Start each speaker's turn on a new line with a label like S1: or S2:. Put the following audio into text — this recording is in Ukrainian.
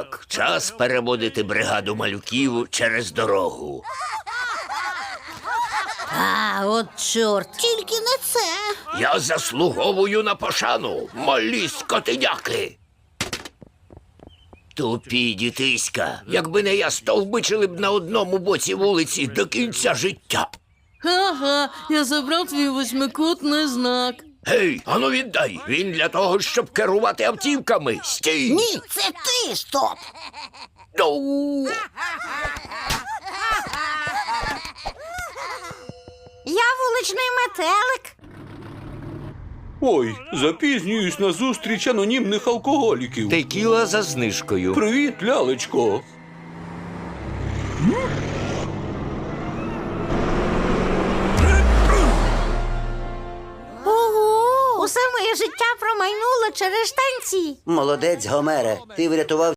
S1: Так, час переводити бригаду малюків через дорогу.
S2: А, от чорт. Тільки не це.
S1: Я заслуговую на пошану, малі скотиняки. Тупі дітиська. Якби не я, стовбичили б на одному боці вулиці до кінця життя.
S3: Ага, я забрав твій восьмикутний знак.
S1: Гей, ану віддай. Він для того, щоб керувати автівками. Стій!
S2: Ні, це ти, стоп.
S1: Ну!
S2: Я вуличний метелик.
S4: Ой, запізнююсь на зустріч анонімних алкоголіків.
S1: Текіла за знижкою.
S4: Привіт, лялечко.
S2: Ого! Усе моє життя промайнуло через штанці.
S5: Молодець, Гомере. Ти врятував